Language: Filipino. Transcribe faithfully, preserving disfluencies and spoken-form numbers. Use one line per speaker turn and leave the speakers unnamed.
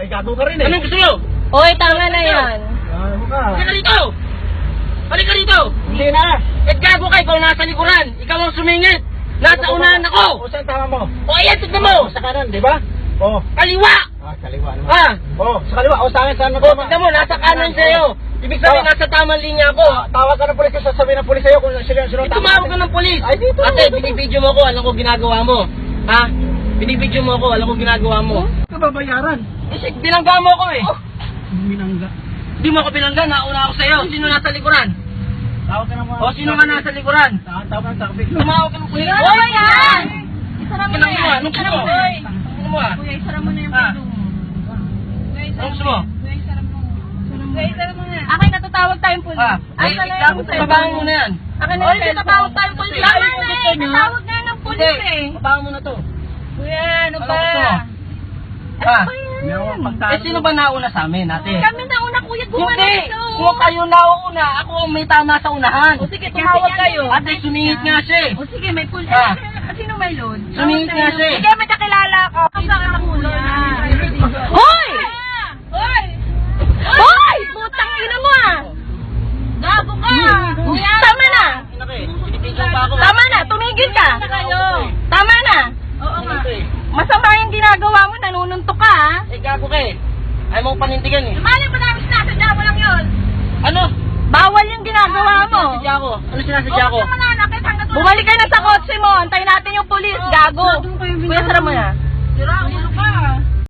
Ay, gago ka rin eh.
Anong gusto mo?
Hoy, tama na yan.
Gago ka.
Halika rito! Halika rito!
Hindi na.
Eh, gago ka, ikaw nasa likuran. Ikaw ang sumingit. Nasa unahan ako.
O, saan tama mo?
O, ayan, tignan mo.
O, sa kanan, di ba? O.
Kaliwa!
Ah, kaliwa naman.
Ha?
O, sa kaliwa. O, sa akin, saan mo
O,
tama?
tignan mo, nasa kanan sa'yo. Ibig sabihin,
Oh.
nasa tamang linya ako.
Ah, tawag ka ng polis, sasabihin ng polis sa'yo kung sila sino
Eh, tumawag ka ng polis.
Ay, dito.
Ate, binibidyo mo ko, alam ko ginagawa mo. Ha? Binibidyo mo ko, alam ko ginagawa mo.
Ito babayaran.
Eh, shit, binangga mo ako eh.
Minangga.
Di mo ako binangga, nauna ako sa'yo. Sino nasa likuran?
Tawag ka naman.
O, sino ka nasa likuran?
Tawag ka ng takbik.
Tumawag ka ng polis.
Ano ba yan? Isara mo na
Anong mo?
yan.
Anong gusto
Isara
mo?
mo. Hoy.
Ano mo ah?
Kuya, isara mo na yung
Ah.
pinto mo. Kuya, isara
Anong gusto mo?
Kuya, isara mo. Kuya, isara mo na. Akin, natatawag tayong pulis.
Ah,
Ay,
eh,
sana
gago,
yung cellphone
babaan mo na yan.
Akin na yung cellphone. Natatawag tayong pulis. Tama na eh. Natawag na ng pulis eh.
babaan mo na to.
Kuya, ano
Anong
ba?
gusto mo?
Ano
Ah.
ba yan?
Eh, sino ba nauna sa amin, ate?
Kami na una, kuya, gumana
Hindi!
ito.
Kung kayo nauna, ako ang may tama sa unahan.
O sige, tumawag kayo.
Ate, sumingit nga siya eh.
O sige, may pulis.
Ah.
Sino may load?
Sumingit nga siya eh.
Sige, may kakilala ko. Ang saan ang ulo na? Hoy! Hoy! Hoy! Putang ina mo ah! Gago ka! Kuya! Tama na!
Pinipidyo pa ako.
Tama na! Tumigil ka! Tama na! Oo nga.
Ito eh.
Masama yung ginagawa mo, nanununtok ka ha?
Eh, gago ka eh. Ayaw mo panindigan eh.
Malay mo namin sinasadya mo lang yun!
Ano?
Bawal yung ginagawa mo!
Sinasadya ko. Ano sinasadya ko?
Bumalik ka na sa kotse mo, antayin natin yung pulis, gago! Kuya, sara mo na.
Sira, ulo ka.